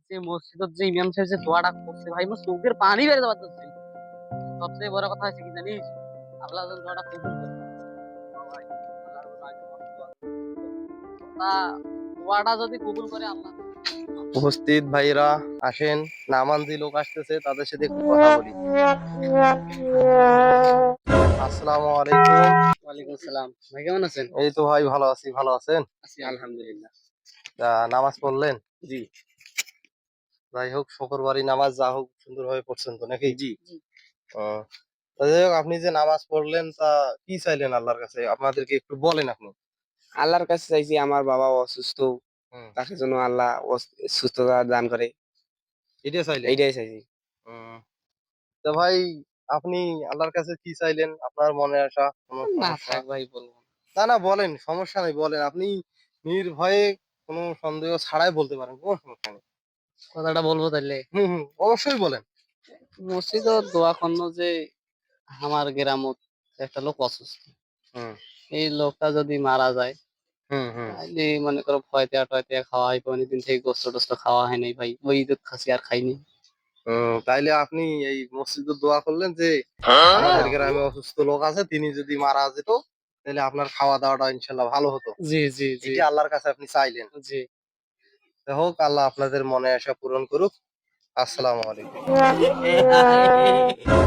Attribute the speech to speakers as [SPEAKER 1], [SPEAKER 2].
[SPEAKER 1] যে মসজিদের যে ইমাম সাহেব যে দোয়াটা করছে ভাই, মোর চোখের পানি বের হতে পারতেছে। সবচেয়ে বড় কথা হচ্ছে কি জানিস, আল্লাহ যেন দোয়াটা কবুল করে। ভাই, আল্লাহর কাছে আমি অনেক দোয়া করি। তা দোয়াটা যদি কবুল করে আল্লাহ।
[SPEAKER 2] উপস্থিত ভাইরা আসেন, নামাজি লোক আসতেছে, তাদের সাথে একটু কথা বলি। আসসালামু আলাইকুম।
[SPEAKER 1] ওয়ালাইকুম আসসালাম, ভাই কেমন আছেন?
[SPEAKER 2] এই তো ভাই ভালো আছি, ভালো আছেন?
[SPEAKER 1] আছি আলহামদুলিল্লাহ।
[SPEAKER 2] নামাজ পড়লেন?
[SPEAKER 1] জি
[SPEAKER 2] যাই হোক, শুক্রবারই নামাজ যা হোক সুন্দরভাবে পড়ছেন তো নাকি?
[SPEAKER 1] জি।
[SPEAKER 2] আহ, তা যাই হোক, আপনি যে নামাজ পড়লেন তা কি চাইলেন আল্লাহর কাছে, আপনাদেরকে একটু বলেন আপনি।
[SPEAKER 3] আল্লাহর কাছে চাইছি আমার বাবা অসুস্থ,
[SPEAKER 2] হুম,
[SPEAKER 3] তাকে যেন আল্লাহ সুস্থতা দান করে,
[SPEAKER 2] এটা চাইলেন?
[SPEAKER 3] এইটাই চাইছি।
[SPEAKER 2] হুম, তা ভাই, আপনি আল্লাহর কাছে কি চাইলেন, আপনার মনে আসা কোনো
[SPEAKER 1] না
[SPEAKER 2] সমস্যা?
[SPEAKER 1] থাক ভাই, বলবো না।
[SPEAKER 2] না না, বলেন, সমস্যা নেই, বলেন আপনি নির্ভয়ে, কোনো সন্দেহ ছাড়াই বলতে পারেন, কোনো সমস্যা নেই।
[SPEAKER 1] কথাটা বলবো তাহলে।
[SPEAKER 2] অবশ্যই বলেন।
[SPEAKER 1] মসজিদ দোয়া করলো যে আমার গ্রামত একটা লোক অসুস্থ,
[SPEAKER 2] হুম
[SPEAKER 1] এই লোকটা যদি মারা যায়
[SPEAKER 2] হুম হুম
[SPEAKER 1] তাহলে মনে করো ফয়তে টয়তে খাওয়া হয়, অনেকদিন থেকে গোস্ত টোস্ত খাওয়া হয় নাই ভাই, ওই ঈদের খাসি আর খাইনি।
[SPEAKER 2] তাইলে আপনি এই মসজিদে দোয়া করলেন যে আমাদের গ্রামে অসুস্থ লোক আছে, তিনি যদি মারা যেত তাহলে আপনার খাওয়া দাওয়াটা ইনশাল্লাহ ভালো হতো।
[SPEAKER 1] জি জি জি
[SPEAKER 2] এটি আল্লাহর কাছে আপনি চাইলেন।
[SPEAKER 1] জি।
[SPEAKER 2] যাই হোক, আল্লাহ আপনাদের মনে আশা পূরণ করুক। আসসালামু আলাইকুম।